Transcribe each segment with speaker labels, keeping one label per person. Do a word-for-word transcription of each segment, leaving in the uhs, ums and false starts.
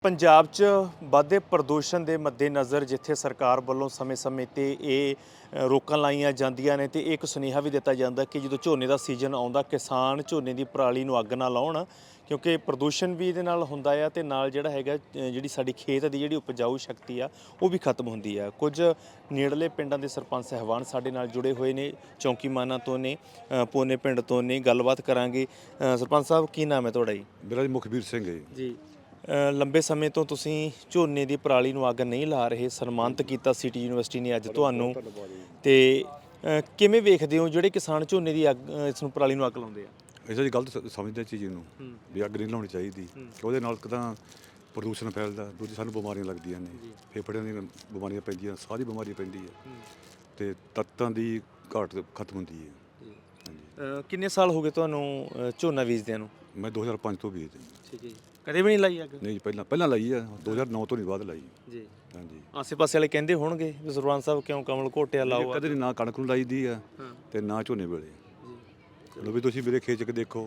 Speaker 1: ਪੰਜਾਬ 'ਚ ਵੱਧਦੇ ਪ੍ਰਦੂਸ਼ਣ ਦੇ ਮੱਦੇਨਜ਼ਰ ਜਿੱਥੇ ਸਰਕਾਰ ਵੱਲੋਂ ਸਮੇਂ-ਸਮੇਂ ਤੇ ਇਹ ਅ, ਰੋਕਾਂ ਲਾਈਆਂ ਜਾਂਦੀਆਂ ਨੇ ਤੇ ਇਹ ਇੱਕ ਸੁਨੇਹਾ ਵੀ ਦਿੱਤਾ ਜਾਂਦਾ ਕਿ ਜਦੋਂ ਝੋਨੇ ਦਾ ਸੀਜ਼ਨ ਆਉਂਦਾ ਕਿਸਾਨ ਝੋਨੇ ਦੀ ਪਰਾਲੀ ਨੂੰ ਅੱਗ ਨਾ ਲਾਉਣ ਕਿਉਂਕਿ ਪ੍ਰਦੂਸ਼ਣ ਵੀ ਇਹਦੇ ਨਾਲ ਹੁੰਦਾ ਆ ਤੇ ਨਾਲ ਜਿਹੜਾ ਹੈਗਾ ਅ, ਜਿਹੜੀ ਸਾਡੀ ਖੇਤ ਦੀ ਜਿਹੜੀ ਉਪਜਾਊ ਸ਼ਕਤੀ ਆ ਉਹ ਵੀ ਖਤਮ ਹੁੰਦੀ ਆ। ਕੁਝ ਨੇੜਲੇ ਪਿੰਡਾਂ ਦੇ ਸਰਪੰਚ ਸਹਿਬਾਨ ਸਾਡੇ ਨਾਲ ਜੁੜੇ ਹੋਏ ਨੇ, ਚੌਂਕੀ ਮਾਨਾ ਤੋਂ ਨੇ, ਅ, ਪੋਨੇ ਪਿੰਡ ਤੋਂ ਨੇ, ਗੱਲਬਾਤ ਕਰਾਂਗੇ। ਅ, ਸਰਪੰਚ ਸਾਹਿਬ ਕੀ ਨਾਮ ਹੈ ਤੁਹਾਡਾ ਜੀ?
Speaker 2: ਮੇਰਾ ਜੀ ਮੁਖਬੀਰ ਸਿੰਘ ਹੈ ਜੀ।
Speaker 1: ਜੀ ਅ, ਲੰਬੇ ਸਮੇਂ ਤੋਂ ਤੁਸੀਂ ਝੋਨੇ ਦੀ ਪਰਾਲੀ ਨੂੰ ਅੱਗ ਨਹੀਂ ਲਾ ਰਹੇ, ਸਨਮਾਨਿਤ ਕੀਤਾ ਸਿਟੀ ਯੂਨੀਵਰਸਿਟੀ ਨੇ ਅੱਜ ਤੁਹਾਨੂੰ ਤੇ ਅ, ਕਿਵੇਂ ਵੇਖਦੇ ਹੋ ਜਿਹੜੇ ਕਿਸਾਨ ਝੋਨੇ ਦੀ ਅੱਗ ਅ, ਇਸ ਨੂੰ ਪਰਾਲੀ ਨੂੰ ਅੱਗ ਲਾਉਂਦੇ ਆ?
Speaker 2: ਇਹਦਾ ਜੀ ਗਲਤ ਸ- ਸਮਝਦੇ ਚੀਜ਼ ਨੂੰ ਵੀ ਅੱਗ ਨਹੀਂ ਲਾਉਣੀ ਚਾਹੀਦੀ। ਉਹਦੇ ਨਾਲ ਇੱਕ ਤਾਂ ਪ੍ਰਦੂਸ਼ਣ ਫੈਲਦਾ, ਦੂਜੀ ਸਾਨੂੰ ਬਿਮਾਰੀਆਂ ਲੱਗਦੀਆਂ ਨੇ, ਫੇਫੜਿਆਂ ਦੀਆਂ ਬਿਮਾਰੀਆਂ ਪੈਂਦੀਆਂ, ਸਾਹ ਦੀ ਬਿਮਾਰੀ ਪੈਂਦੀ ਹੈ ਤੇ ਤੱਤਾਂ ਦੀ ਘਾਟ ਖਤਮ ਹੁੰਦੀ ਹੈ। ਹਾਂਜੀ,
Speaker 1: ਅ, ਕਿੰਨੇ ਸਾਲ ਹੋ ਗਏ ਤੁਹਾਨੂੰ ਅ, ਝੋਨਾ ਬੀਜਦਿਆਂ ਨੂੰ?
Speaker 2: ਮੈਂ ਦੋ ਹਜ਼ਾਰ ਪੰਜ ਤੋਂ ਬੀਜਦਾ ਜੀ।
Speaker 1: ਠੀਕ ਹੈ ਜੀ। ਕਦੇ ਵੀ ਨਹੀਂ ਲਾਈ ਅੱਗ?
Speaker 2: ਨਹੀਂ ਜੀ, ਪਹਿਲਾਂ ਪਹਿਲਾਂ ਲਾਈ ਆ, ਦੋ ਹਜ਼ਾਰ ਨੌ ਤੋਂ ਨਹੀਂ ਬਾਅਦ ਲਾਈ।
Speaker 1: ਜੀ।
Speaker 2: ਹਾਂਜੀ,
Speaker 1: ਆਸੇ-ਪਾਸੇ ਵਾਲੇ ਕਹਿੰਦੇ ਹੋਣਗੇ ਵੀ ਸਰਪੰਚ ਸਾਹਿਬ ਕਿਉਂ ਕਮਲ ਘੋਟਿਆ ਲਾਓ?
Speaker 2: ਕਦੇ ਨਹੀਂ ਨਾ ਕਣਕ ਨੂੰ ਲਾਈ ਦੀ ਆ ਤੇ ਨਾ ਝੋਨੇ ਵੇਲੇ।
Speaker 1: ਜੀ।
Speaker 2: ਲੋ ਵੀ ਤੁਸੀਂ ਮੇਰੇ ਖੇਤ 'ਚ ਦੇਖੋ,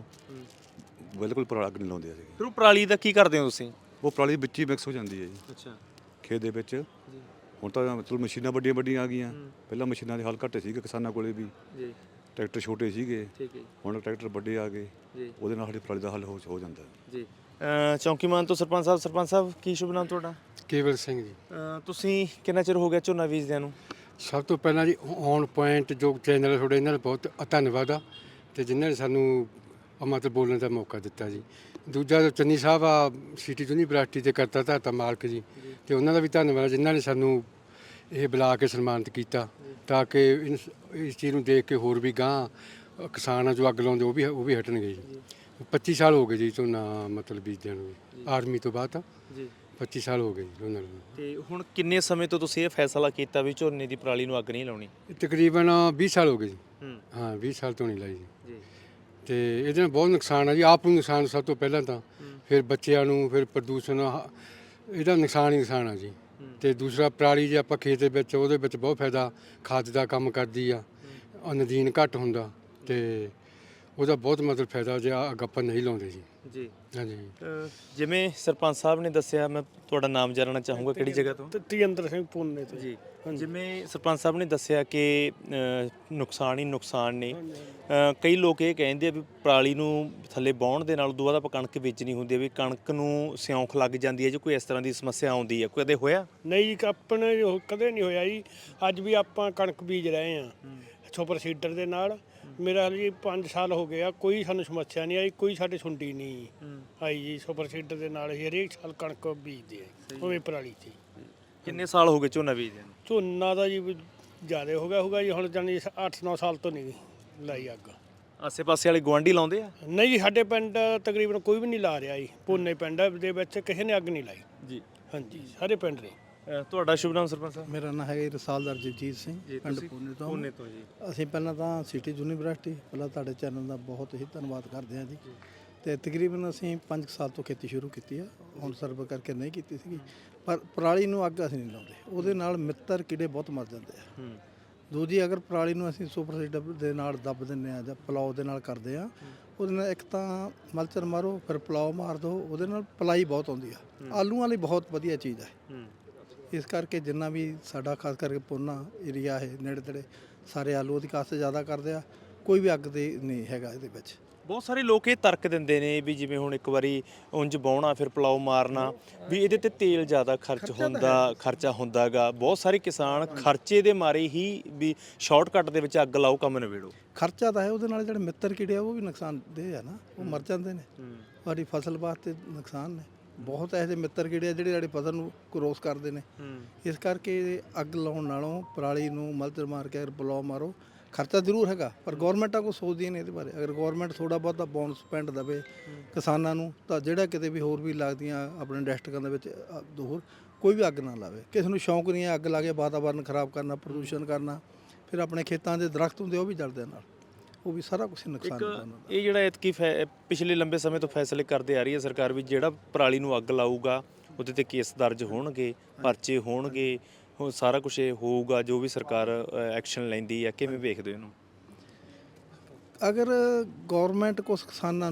Speaker 2: ਬਿਲਕੁਲ ਪਰਾਲੀ ਅੱਗ ਨਹੀਂ ਲਾਉਂਦੇ ਅਸੀਂ।
Speaker 1: ਫਿਰ ਉਹ ਪਰਾਲੀ ਦਾ ਕੀ ਕਰਦੇ ਹੋ ਤੁਸੀਂ?
Speaker 2: ਉਹ ਪਰਾਲੀ ਵਿੱਚ ਹੀ ਮਿਕਸ ਹੋ ਜਾਂਦੀ ਹੈ ਜੀ
Speaker 1: ਅੱਛਾ
Speaker 2: ਖੇਤ ਦੇ ਵਿੱਚ।
Speaker 1: ਜੀ।
Speaker 2: ਹੁਣ ਤਾਂ ਮਤਲਬ ਮਸ਼ੀਨਾਂ ਵੱਡੀਆਂ ਵੱਡੀਆਂ ਆ ਗਈਆਂ, ਪਹਿਲਾਂ ਮਸ਼ੀਨਾਂ ਦੇ ਹੱਲ ਘੱਟ ਸੀਗੇ ਕਿਸਾਨਾਂ ਕੋਲੇ ਵੀ,
Speaker 1: ਜੀ।
Speaker 2: ਟਰੈਕਟਰ ਛੋਟੇ ਸੀਗੇ,
Speaker 1: ਠੀਕ ਹੈ
Speaker 2: ਹੁਣ ਟਰੈਕਟਰ ਵੱਡੇ ਆ ਗਏ,
Speaker 1: ਜੀ।
Speaker 2: ਉਹਦੇ ਨਾਲ ਸਾਡੀ ਪਰਾਲੀ ਦਾ ਹੱਲ ਹੋ ਹੋ ਜਾਂਦਾ।
Speaker 1: ਜੀ। ਅ, ਚੌਂਕੀ ਮਾਨ ਤੋਂ ਸਰਪੰਚ ਸਾਹਿਬ, ਸਰਪੰਚ ਸਾਹਿਬ ਕੀ ਸ਼ੁਭ ਨਾਮ ਤੁਹਾਡਾ?
Speaker 3: ਕੇਵਲ ਸਿੰਘ ਜੀ।
Speaker 1: ਅ, ਤੁਸੀਂ ਕਿੰਨਾ ਚਿਰ ਹੋ ਗਿਆ ਝੋਨਾ ਬੀਜਦਿਆਂ ਨੂੰ?
Speaker 3: ਸਭ ਤੋਂ ਪਹਿਲਾਂ ਜੀ ਔਨ ਪੁਆਇੰਟ ਜੋ ਚੈਨਲ ਹੈ ਤੁਹਾਡੇ, ਇਹਨਾਂ ਦਾ ਬਹੁਤ ਧੰਨਵਾਦ ਆ ਤੇ ਜਿਨ੍ਹਾਂ ਨੇ ਸਾਨੂੰ ਮਤਲਬ ਬੋਲਣ ਦਾ ਮੌਕਾ ਦਿੱਤਾ ਜੀ। ਦੂਜਾ ਜੋ ਚੰਨੀ ਸਾਹਿਬ ਆ ਸਿਟੀ ਯੂਨੀਵਰਸਿਟੀ ਦੇ ਕਰਤਾ ਧਰਤਾ ਮਾਲਕ ਜੀ, ਤੇ ਉਹਨਾਂ ਦਾ ਵੀ ਧੰਨਵਾਦ ਜਿਨ੍ਹਾਂ ਨੇ ਸਾਨੂੰ ਇਹ ਬੁਲਾ ਕੇ ਸਨਮਾਨਿਤ ਕੀਤਾ ਤਾਂ ਕਿ ਇਸ ਇਸ ਚੀਜ਼ ਨੂੰ ਦੇਖ ਕੇ ਹੋਰ ਵੀ ਗਾਂਹ ਕਿਸਾਨ ਆ ਜੋ ਅੱਗ ਲਾਉਂਦੇ ਉਹ ਵੀ ਉਹ ਵੀ ਹਟਣਗੇ ਜੀ। ਪੱਚੀ ਸਾਲ ਹੋ ਗਏ ਜੀ ਝੋਨਾ ਮਤਲਬ ਬੀਜਦਿਆਂ ਨੂੰ, ਆਰਮੀ ਤੋਂ ਬਾਅਦ
Speaker 1: ਜੀ।
Speaker 3: ਪੱਚੀ ਸਾਲ ਹੋ ਗਏ ਜੀ ਉਹਨਾਂ ਨੂੰ।
Speaker 1: ਤੇ ਹੁਣ ਕਿੰਨੇ ਸਮੇਂ ਤੋਂ ਤੁਸੀਂ ਇਹ ਫੈਸਲਾ ਕੀਤਾ ਵੀ ਝੋਨੇ ਦੀ ਪਰਾਲੀ ਨੂੰ ਅੱਗ ਨਹੀਂ ਲਾਉਣੀ?
Speaker 3: ਤਕਰੀਬਨ ਵੀਹ ਸਾਲ ਹੋ ਗਏ ਜੀ।
Speaker 1: ਹੂੰ।
Speaker 3: ਹਾਂ ਵੀਹ ਸਾਲ ਤੋਂ ਨਹੀਂ ਲਾਈ ਜੀ।
Speaker 1: ਜੀ।
Speaker 3: ਤੇ ਇਹਦੇ ਨਾਲ ਬਹੁਤ ਨੁਕਸਾਨ ਆ ਜੀ, ਆਪ ਨੂੰ ਨੁਕਸਾਨ ਸਭ ਤੋਂ ਪਹਿਲਾਂ ਤਾਂ, ਫਿਰ ਬੱਚਿਆਂ ਨੂੰ, ਫਿਰ ਪ੍ਰਦੂਸ਼ਣ, ਆਹ ਇਹਦਾ ਨੁਕਸਾਨ ਹੀ ਨੁਕਸਾਨ ਆ ਜੀ। ਤੇ ਦੂਸਰਾ ਪਰਾਲੀ ਜੇ ਆਪਾਂ ਖੇਤ ਦੇ ਵਿੱਚ, ਉਹਦੇ ਵਿੱਚ ਬਹੁਤ ਫਾਇਦਾ, ਖਾਦ ਦਾ ਕੰਮ ਕਰਦੀ ਆ, ਨਦੀਨ ਘੱਟ ਹੁੰਦਾ ਤੇ ਉਹਦਾ ਬਹੁਤ ਮਤਲਬ ਫਾਇਦਾ ਜੇ ਅੱਗ ਆਪਾਂ ਨਹੀਂ ਲਾਉਂਦੇ ਜੀ।
Speaker 1: ਜੀ।
Speaker 3: ਹਾਂਜੀ।
Speaker 1: ਅ, ਜਿਵੇਂ ਸਰਪੰਚ ਸਾਹਿਬ ਨੇ ਦੱਸਿਆ, ਮੈਂ ਤੁਹਾਡਾ ਨਾਮ ਜਾਣਨਾ ਚਾਹੂੰਗਾ, ਕਿਹੜੀ ਜਗ੍ਹਾ ਤੋਂ?
Speaker 4: ਤੇਜਿੰਦਰ ਸਿੰਘ ਪੁੰਨੇ ਤੋਂ।
Speaker 1: ਜੀ। ਜਿਵੇਂ ਸਰਪੰਚ ਸਾਹਿਬ ਨੇ ਦੱਸਿਆ ਕਿ ਅ, ਨੁਕਸਾਨ ਹੀ ਨੁਕਸਾਨ ਨੇ। ਅ, ਕਈ ਲੋਕ ਇਹ ਕਹਿੰਦੇ ਆ ਵੀ ਪਰਾਲੀ ਨੂੰ ਥੱਲੇ ਵਾਹੁਣ ਦੇ ਨਾਲ ਉਦੋਂ ਬਾਅਦ ਆਪਾਂ ਕਣਕ ਵੇਚਣੀ ਹੁੰਦੀ ਹੈ, ਵੀ ਕਣਕ ਨੂੰ ਸਿਉਂਖ ਲੱਗ ਜਾਂਦੀ ਹੈ, ਜੇ ਕੋਈ ਇਸ ਤਰ੍ਹਾਂ ਦੀ ਸਮੱਸਿਆ ਆਉਂਦੀ ਹੈ, ਕਦੇ ਹੋਇਆ?
Speaker 4: ਨਹੀਂ ਜੀ, ਆਪਣੇ ਉਹ ਕਦੇ ਨਹੀਂ ਹੋਇਆ ਜੀ। ਅੱਜ ਵੀ ਆਪਾਂ ਕਣਕ ਬੀਜ ਰਹੇ ਆ ਸੁਪਰ ਸੀਡਰ ਦੇ ਨਾਲ। ਮੇਰਾ ਜੀ ਪੰਜ ਸਾਲ ਹੋ ਗਏ ਆ, ਕੋਈ ਸਾਨੂੰ ਸਮੱਸਿਆ ਨਹੀਂ ਆਈ, ਕੋਈ ਸਾਡੇ ਸੁੰਡੀ ਨਹੀਂ ਆਈ ਜੀ। ਸੁਪਰ ਸੀਡਰ ਦੇ ਨਾਲ ਹੀ ਹਰੇਕ ਸਾਲ ਕਣਕ ਬੀਜਦੇ ਆ, ਉਵੇਂ ਪਰਾਲੀ 'ਚ।
Speaker 1: ਕਿੰਨੇ ਸਾਲ ਹੋ ਗਏ ਝੋਨਾ ਬੀਜਦਿਆਂ ਨੂੰ?
Speaker 4: ਝੋਨਾ ਦਾ ਜੀ ਜ਼ਿਆਦਾ ਹੋ ਗਿਆ ਹੋਊਗਾ ਜੀ, ਹੁਣ ਜਾਨੀ ਅੱਠ ਨੌ ਸਾਲ ਤੋਂ ਨਹੀਂ ਲਾਈ ਅੱਗ।
Speaker 1: ਆਸੇ-ਪਾਸੇ ਵਾਲੇ ਗੁਆਂਢੀ ਲਾਉਂਦੇ ਆ?
Speaker 4: ਨਹੀਂ ਜੀ, ਸਾਡੇ ਪਿੰਡ ਤਕਰੀਬਨ ਕੋਈ ਵੀ ਨਹੀਂ ਲਾ ਰਿਹਾ ਜੀ। ਪੁੰਨੇ ਪਿੰਡ ਦੇ ਵਿੱਚ ਕਿਸੇ ਨੇ ਅੱਗ ਨਹੀਂ ਲਾਈ।
Speaker 1: ਜੀ।
Speaker 4: ਹਾਂਜੀ, ਸਾਰੇ ਪਿੰਡ ਨੇ।
Speaker 1: ਅ, ਤੁਹਾਡਾ ਸ਼ੁਭ ਨਾਮ ਸਰਪੰਚ ਸਾਹਿਬ?
Speaker 5: ਮੇਰਾ ਨਾਮ ਹੈਗਾ ਜੀ ਰਸਾਲਦਾਰ ਜਗਜੀਤ ਸਿੰਘ, ਪਿੰਡ ਪੂਨੇ ਤੋਂ।
Speaker 1: ਪੂਨੇ ਤੋਂ ਜੀ।
Speaker 5: ਅਸੀਂ ਪਹਿਲਾਂ ਤਾਂ ਸਿਟੀ ਯੂਨੀਵਰਸਿਟੀ, ਪਹਿਲਾਂ ਤੁਹਾਡੇ ਚੈਨਲ ਦਾ ਬਹੁਤ ਹੀ ਧੰਨਵਾਦ ਕਰਦੇ ਹਾਂ ਜੀ। ਤੇ ਤਕਰੀਬਨ ਅਸੀਂ ਪੰਜ ਸਾਲ ਤੋਂ ਖੇਤੀ ਸ਼ੁਰੂ ਕੀਤੀ ਆ, ਹੁਣ ਸਰਵ ਕਰਕੇ ਨਹੀਂ ਕੀਤੀ ਸੀਗੀ। ਪਰ ਪਰਾਲੀ ਨੂੰ ਅੱਗ ਅਸੀਂ ਨਹੀਂ ਲਾਉਂਦੇ, ਉਹਦੇ ਨਾਲ ਮਿੱਤਰ ਕੀੜੇ ਬਹੁਤ ਮਰ ਜਾਂਦੇ ਆ।
Speaker 1: ਹੂੰ।
Speaker 5: ਦੂਜੀ, ਅਗਰ ਪਰਾਲੀ ਨੂੰ ਅਸੀਂ ਸੁਪਰ ਸੀਡਰ ਦੇ ਨਾਲ ਦੱਬ ਦਿੰਦੇ ਆ ਜਾਂ ਪਲਾਓ ਦੇ ਨਾਲ ਕਰਦੇ ਆ, ਉਹਦੇ ਨਾਲ ਇੱਕ ਤਾਂ ਮਲਚਰ ਮਾਰੋ, ਫਿਰ ਪਲਾਓ ਮਾਰ ਦਿਓ, ਉਹਦੇ ਨਾਲ ਪਲਾਈ ਬਹੁਤ ਆਉਂਦੀ ਆ। ਆਲੂਆਂ ਲਈ ਬਹੁਤ ਵਧੀਆ ਚੀਜ਼ ਹੈ।
Speaker 1: ਹੂੰ।
Speaker 5: ਇਸ ਕਰਕੇ ਜਿੰਨਾ ਵੀ ਸਾਡਾ ਖਾਸ ਕਰਕੇ ਪੂਨਾ ਏਰੀਆ ਹੈ, ਨੇੜੇ ਤੇੜੇ ਸਾਰੇ ਆਲੂ ਦੀ ਕਾਸ਼ਤ ਜ਼ਿਆਦਾ ਕਰਦੇ ਆ, ਕੋਈ ਵੀ ਅੱਗ ਦੇ ਨਹੀਂ ਹੈਗਾ ਇਹਦੇ ਵਿੱਚ।
Speaker 1: ਬਹੁਤ ਸਾਰੇ ਲੋਕ ਇਹ ਤਰਕ ਦਿੰਦੇ ਨੇ ਵੀ ਜਿਵੇਂ ਹੁਣ ਇੱਕ ਵਾਰੀ ਉਂਝ ਵਾਹੁਣਾ ਫਿਰ ਪਲਾਓ ਮਾਰਨਾ, ਵੀ ਇਹਦੇ ਤੇ ਤੇਲ ਜ਼ਿਆਦਾ ਖਰਚ ਹੁੰਦਾ, ਖਰਚਾ ਹੁੰਦਾਗਾ। ਬਹੁਤ ਸਾਰੇ ਕਿਸਾਨ ਖਰਚੇ ਦੇ ਮਾਰੇ ਹੀ ਵੀ ਸ਼ਾਰਟਕਟ ਦੇ ਵਿੱਚ ਅੱਗ ਲਾਓ, ਕੰਮ ਨਿਬੇੜੋ।
Speaker 5: ਖਰਚਾ ਤਾਂ ਹੈ, ਉਹਦੇ ਨਾਲ ਜਿਹੜੇ ਮਿੱਤਰ ਕੀੜੇ ਆ ਉਹ ਵੀ ਨੁਕਸਾਨਦੇਹ ਆ ਨਾ, ਉਹ ਮਰ ਜਾਂਦੇ ਨੇ। ਸਾਡੀ ਫਸਲ ਵਾਸਤੇ ਨੁਕਸਾਨ ਨੇ। ਬਹੁਤ ਇਹੋ ਜਿਹੇ ਮਿੱਤਰ ਕੀੜੇ ਆ ਜਿਹੜੇ ਸਾਡੀ ਫਸਲ ਨੂੰ ਕਰੋਸ ਕਰਦੇ ਨੇ। ਇਸ ਕਰਕੇ ਅੱਗ ਲਾਉਣ ਨਾਲੋਂ ਪਰਾਲੀ ਨੂੰ ਮਲਚਰ ਮਾਰ ਕੇ ਅਗਰ ਪਲਾਓ ਮਾਰੋ, ਖਰਚਾ ਜ਼ਰੂਰ ਹੈਗਾ, ਪਰ ਗੌਰਮੈਂਟਾਂ ਕੋਈ ਸੋਚਦੀ ਨਹੀਂ ਇਹਦੇ ਬਾਰੇ। ਅਗਰ ਗੌਰਮੈਂਟ ਥੋੜ੍ਹਾ ਬਹੁਤਾ ਬੋਨਸ ਪੈਂਟ ਦੇਵੇ ਕਿਸਾਨਾਂ ਨੂੰ, ਤਾਂ ਜਿਹੜਾ ਕਿਤੇ ਵੀ ਹੋਰ ਵੀ ਲੱਗਦੀਆਂ ਆਪਣੇ ਡਿਸਟ੍ਰਿਕਾਂ ਦੇ ਵਿੱਚ ਹੋਰ ਕੋਈ ਵੀ ਅੱਗ ਨਾ ਲਾਵੇ। ਕਿਸੇ ਨੂੰ ਸ਼ੌਂਕ ਨਹੀਂ ਹੈ ਅੱਗ ਲਾ ਕੇ ਵਾਤਾਵਰਨ ਖਰਾਬ ਕਰਨਾ, ਪ੍ਰਦੂਸ਼ਣ ਕਰਨਾ। ਫਿਰ ਆਪਣੇ ਖੇਤਾਂ ਦੇ ਦਰਖਤ ਹੁੰਦੇ ਉਹ ਵੀ ਜਲਦੇ ਨਾਲ, ਉਹ ਵੀ ਸਾਰਾ ਕੁਝ ਨੁਕਸਾਨ ਹੁੰਦਾ ਉਹਨਾਂ ਦਾ।
Speaker 1: ਇਹ ਜਿਹੜਾ ਐਤਕੀ ਪਿਛਲੇ ਲੰਬੇ ਸਮੇਂ ਤੋਂ ਫੈਸਲੇ ਕਰਦੇ ਆ ਰਹੀ ਹੈ ਸਰਕਾਰ ਵੀ ਜਿਹੜਾ ਪਰਾਲੀ ਨੂੰ ਅੱਗ ਲਾਊਗਾ ਉਹਦੇ ਤੇ ਕੇਸ ਦਰਜ ਹੋਣਗੇ, ਪਰਚੇ ਹੋਣਗੇ, ਉਹ ਸਾਰਾ ਕੁਝ ਹੋਊਗਾ ਜੋ ਵੀ ਸਰਕਾਰ ਐਕਸ਼ਨ ਲੈਂਦੀ ਹੈ। ਕਿਵੇਂ ਵੇਖਦੇ ਹੋ ਇਹਨੂੰ?
Speaker 5: ਅਗਰ ਗੌਰਮੈਂਟ ਕੁਛ ਕਿਸਾਨਾਂ ਨੂੰ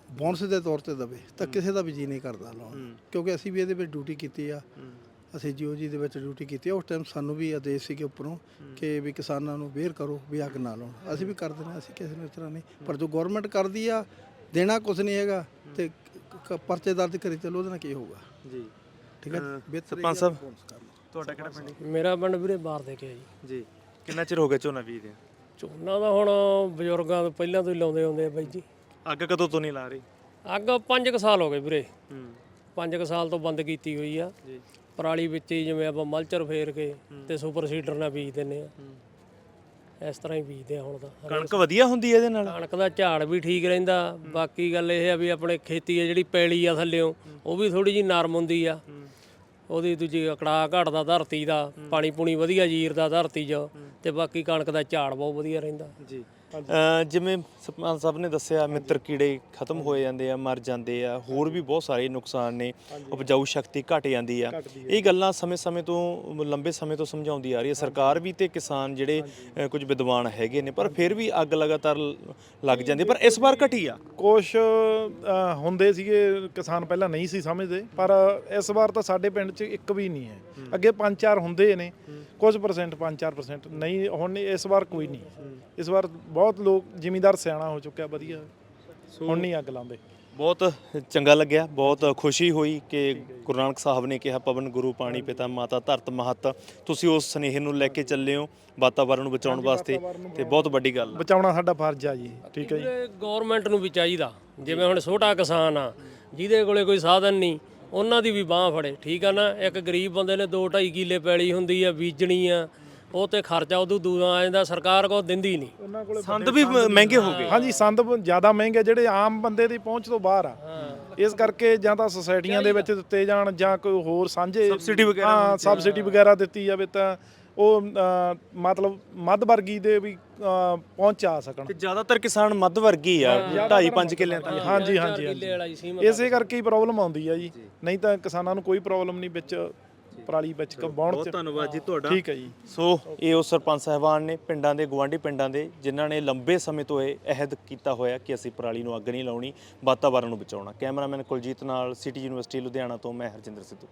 Speaker 5: ਬੋਨਸ ਦੇ ਤੌਰ ਤੇ ਦੇਵੇ ਤਾਂ ਕਿਸੇ ਦਾ ਵੀ ਜੀ ਨਹੀਂ ਕਰਦਾ ਲਾਉਣ, ਕਿਉਂਕਿ ਅਸੀਂ ਵੀ ਇਹਦੇ ਵਿੱਚ ਡਿਊਟੀ ਕੀਤੀ ਆ। ਅਸੀਂ ਜੀਓ ਜੀ ਦੇ ਵਿੱਚ ਡਿਊਟੀ ਕੀਤੀ ਆ। ਉਸ ਟਾਈਮ ਸਾਨੂੰ ਵੀ ਆਦੇਸ਼ ਸੀਗੇ ਉੱਪਰੋਂ ਕਿ ਵੀ ਕਿਸਾਨਾਂ ਨੂੰ ਅਵੇਅਰ ਕਰੋ ਵੀ ਅੱਗ ਨਾ ਲਾਉਣ। ਅਸੀਂ ਵੀ ਕਰਦੇ ਨੇ, ਅਸੀਂ ਕਿਸੇ ਨੂੰ ਇਸ ਤਰ੍ਹਾਂ ਨਹੀਂ, ਪਰ ਜੋ ਗਵਰਨਮੈਂਟ ਕਰਦੀ ਆ ਦੇਣਾ ਕੁਝ ਨਹੀਂ ਹੈਗਾ ਤੇ ਕ- ਪਰਚੇ ਦਰਜ ਕਰੀ ਚੱਲੋ, ਉਹਦੇ ਨਾਲ ਕੀ ਹੋਊਗਾ
Speaker 1: ਜੀ
Speaker 5: ਠੀਕ ਹੈ ਜੀ।
Speaker 1: ਸਰਪੰਚ ਸਾਹਿਬ ਤੁਹਾਡਾ ਕਿਹੜਾ ਪਿੰਡ ਹੈ?
Speaker 6: ਮੇਰਾ ਪਿੰਡ ਵੀਰੇ ਬਾਹਰ ਦੇ ਕੇ ਆ ਜੀ।
Speaker 1: ਜੀ ਕਿੰਨਾ ਚਿਰ ਹੋ ਗਿਆ ਝੋਨਾ ਬੀਜਦੇ?
Speaker 6: ਝੋਨਾ ਦਾ ਹੁਣ ਬਜ਼ੁਰਗਾਂ ਤੋਂ ਪਹਿਲਾਂ ਤੋਂ ਹੀ ਲਾਉਂਦੇ ਆਉਂਦੇ ਆ ਬਾਈ ਜੀ।
Speaker 1: ਅੱਗ ਕਦੋਂ ਤੋਂ ਨਹੀਂ ਲਾ ਰਹੀ?
Speaker 6: ਅੱਗ ਪੰਜ ਕੁ ਸਾਲ ਹੋ ਗਏ ਵੀਰੇ,
Speaker 1: ਹੂੰ
Speaker 6: ਪੰਜ ਕੁ ਸਾਲ ਤੋਂ ਬੰਦ ਕੀਤੀ ਹੋਈ ਆ।
Speaker 1: ਜੀ
Speaker 6: ਪਰਾਲੀ ਵਿੱਚ ਹੀ ਜਿਵੇਂ ਆਪਾਂ ਮਲਚਰ ਫੇਰ ਕੇ ਤੇ ਸੁਪਰ ਸੀਡਰ ਨਾਲ ਬੀਜ ਦਿੰਨੇ ਆ, ਇਸ ਤਰ੍ਹਾਂ ਹੀ ਬੀਜਦੇ ਆ ਹੁਣ ਤਾਂ।
Speaker 1: ਕਣਕ ਵਧੀਆ ਹੁੰਦੀ ਹੈ ਇਹਦੇ ਨਾਲ?
Speaker 6: ਕਣਕ ਦਾ ਝਾੜ ਵੀ ਠੀਕ ਰਹਿੰਦਾ। ਬਾਕੀ ਗੱਲ ਇਹ ਆ ਵੀ ਆਪਣੇ ਖੇਤੀ ਆ ਜਿਹੜੀ ਪੈਲੀ ਆ ਥੱਲਿਓਂ ਉਹ ਵੀ ਥੋੜੀ ਜਿਹੀ ਨਰਮ ਹੁੰਦੀ ਆ। ਉਹਦੀ ਦੂਜੀ ਅਕੜਾ ਘਟਦਾ ਧਰਤੀ ਦਾ, ਪਾਣੀ ਪੂਣੀ ਵਧੀਆ ਜੀਰਦਾ ਧਰਤੀ 'ਚ, ਤੇ ਬਾਕੀ ਕਣਕ ਦਾ ਝਾੜ ਬਹੁਤ ਵਧੀਆ ਰਹਿੰਦਾ
Speaker 1: ਜੀ। ਜਿਵੇਂ ਸਰਪੰਚ ਸਾਹਿਬ ਨੇ ਦੱਸਿਆ ਮਿੱਤਰ ਕੀੜੇ ਖਤਮ ਹੋ ਜਾਂਦੇ ਆ, ਮਰ ਜਾਂਦੇ ਆ, ਹੋਰ ਵੀ ਬਹੁਤ ਸਾਰੇ ਨੁਕਸਾਨ ਨੇ, ਉਪਜਾਊ ਸ਼ਕਤੀ ਘਟ ਜਾਂਦੀ ਆ। ਇਹ ਗੱਲਾਂ ਸਮੇਂ-ਸਮੇਂ ਤੋਂ ਲੰਬੇ ਸਮੇਂ ਤੋਂ ਸਮਝਾਉਂਦੀ ਆ ਰਹੀ ਹੈ ਸਰਕਾਰ ਵੀ ਤੇ ਕਿਸਾਨ ਜਿਹੜੇ ਅ, ਕੁਝ ਵਿਦਵਾਨ ਹੈਗੇ ਨੇ, ਪਰ ਫਿਰ ਵੀ ਅੱਗ ਲਗਾਤਾਰ ਲੱਗ ਜਾਂਦੀ। ਪਰ ਇਸ ਵਾਰ ਘਟੀ ਆ
Speaker 7: ਕੁਛ ਅ, ਹੁੰਦੇ ਸੀਗੇ ਕਿਸਾਨ ਪਹਿਲਾਂ ਨਹੀਂ ਸੀ ਸਮਝਦੇ, ਪਰ ਇਸ ਵਾਰ ਤਾਂ ਸਾਡੇ ਪਿੰਡ 'ਚ ਇੱਕ ਵੀ ਨਹੀਂ ਹੈ। ਅੱਗੇ ਪੰਜ ਚਾਰ ਹੁੰਦੇ ਨੇ, ਕੁਝ ਪਰਸੈਂਟ ਪੰਜ ਚਾਰ ਪਰਸੈਂਟ ਨਹੀਂ, ਹੁਣ ਇਸ ਵਾਰ ਕੋਈ ਨਹੀਂ। ਇਸ ਵਾਰ ਬਹੁਤ ਲੋਕ ਜ਼ਿਮੀਂਦਾਰ ਸਿਆਣਾ ਹੋ ਚੁੱਕਿਆ, ਵਧੀਆ, ਹੁਣ ਨਹੀਂ ਅੱਗ ਲਾਉਂਦੇ।
Speaker 1: ਬਹੁਤ ਚੰਗਾ ਲੱਗਿਆ, ਬਹੁਤ ਖੁਸ਼ੀ ਹੋਈ ਕਿ ਗੁਰੂ ਨਾਨਕ ਸਾਹਿਬ ਨੇ ਕਿਹਾ ਪਵਨ ਗੁਰੂ ਪਾਣੀ ਪਿਤਾ ਮਾਤਾ ਧਰਤ ਮਹੱਤ, ਤੁਸੀਂ ਉਸ ਸੁਨੇਹੇ ਨੂੰ ਲੈ ਕੇ ਚੱਲੇ ਹੋ ਵਾਤਾਵਰਨ ਨੂੰ ਬਚਾਉਣ ਵਾਸਤੇ, ਤੇ ਬਹੁਤ ਵੱਡੀ ਗੱਲ ਆ।
Speaker 7: ਬਚਾਉਣਾ ਸਾਡਾ ਫਰਜ਼ ਆ ਜੀ। ਠੀਕ ਹੈ ਜੀ।
Speaker 6: ਗਵਰਨਮੈਂਟ ਨੂੰ ਵੀ ਚਾਹੀਦਾ, ਜਿਵੇਂ ਹੁਣ ਛੋਟਾ ਕਿਸਾਨ ਆ ਜਿਹਦੇ ਕੋਲੇ ਕੋਈ ਸਾਧਨ ਨਹੀਂ, ਉਹਨਾਂ ਦੀ ਵੀ ਬਾਹ ਫੜੇ, ਠੀਕ ਆ ਨਾ। ਇੱਕ ਗਰੀਬ ਬੰਦੇ ਨੇ ਦੋ ਢਾਈ ਕਿੱਲੇ ਪੈਲੀ ਹੁੰਦੀ ਆ, ਬੀਜਣੀ ਆ, ਉਹ ਤੇ ਖਰਚਾ ਉਦੋਂ ਦੂਰਾ ਆ ਜਾਂਦਾ, ਸਰਕਾਰ ਕੋਲ ਦਿੰਦੀ ਨਹੀਂ।
Speaker 7: ਉਹਨਾਂ ਕੋਲੇ
Speaker 1: ਸੰਦ ਵੀ ਮਹਿੰਗੇ ਹੋ ਗਏ।
Speaker 7: ਹਾਂਜੀ, ਸੰਦ ਜ਼ਿਆਦਾ ਮਹਿੰਗੇ, ਜਿਹੜੇ ਆਮ ਬੰਦੇ ਦੀ ਪਹੁੰਚ ਤੋਂ ਬਾਹਰ ਆ। ਇਸ ਕਰਕੇ ਜਾਂ ਤਾਂ ਸੁਸਾਇਟੀਆਂ ਦੇ ਵਿੱਚ ਦਿੱਤੇ ਜਾਣ ਜਾਂ ਕੋਈ ਹੋਰ ਸਾਂਝੇ
Speaker 1: ਸਬਸਿਡੀ ਵਗੈਰਾ
Speaker 7: ਹਾਂ ਸਬਸਿਡੀ ਵਗੈਰਾ ਦਿੱਤੀ ਜਾਵੇ ਤਾਂ ਉਹ ਅ, ਮਤਲਬ ਮੱਧ ਵਰਗੀ ਦੇ ਵੀ ਅ, ਪਹੁੰਚ ਆ ਸਕਣ।
Speaker 1: ਤੇ ਜ਼ਿਆਦਾਤਰ ਕਿਸਾਨ ਮੱਧ ਵਰਗੀ ਆ, ਢਾਈ ਪੰਜ ਕਿੱਲਿਆਂ ਤੱਕ।
Speaker 7: ਹਾਂਜੀ ਹਾਂਜੀ
Speaker 6: ਕਿੱਲੇ ਵਾਲਾ ਹੀ ਸੀਮਤ
Speaker 7: ਇਸੇ ਕਰਕੇ ਹੀ ਪ੍ਰੋਬਲਮ ਆਉਂਦੀ ਆ ਜੀ, ਨਹੀਂ ਤਾਂ ਕਿਸਾਨਾਂ ਨੂੰ ਕੋਈ ਪ੍ਰੋਬਲਮ ਨਹੀਂ ਵਿੱਚ ਪਰਾਲੀ ਵਿੱਚ ਵਾਹੁਣ
Speaker 1: ਬਹੁਤ
Speaker 7: ਚ।
Speaker 1: ਧੰਨਵਾਦ ਜੀ ਤੁਹਾਡਾ।
Speaker 7: ਠੀਕ ਹੈ ਜੀ।
Speaker 1: ਸੋ ਇਹ ਉਹ ਸਰਪੰਚ ਸਾਹਿਬਾਨ ਨੇ ਪਿੰਡਾਂ ਦੇ, ਗੁਆਂਢੀ ਪਿੰਡਾਂ ਦੇ, ਜਿਨ੍ਹਾਂ ਨੇ ਲੰਬੇ ਸਮੇਂ ਤੋਂ ਇਹ ਅਹਿਦ ਕੀਤਾ ਹੋਇਆ ਕਿ ਅਸੀਂ ਪਰਾਲੀ ਨੂੰ ਅੱਗ ਨਹੀਂ ਲਾਉਣੀ, ਵਾਤਾਵਰਨ ਨੂੰ ਬਚਾਉਣਾ। ਕੈਮਰਾਮੈਨ ਕੁਲਜੀਤ ਨਾਲ, ਸਿਟੀ ਯੂਨੀਵਰਸਿਟੀ ਲੁਧਿਆਣਾ ਤੋਂ ਮੈਂ ਹਰਜਿੰਦਰ ਸਿੱਧੂ।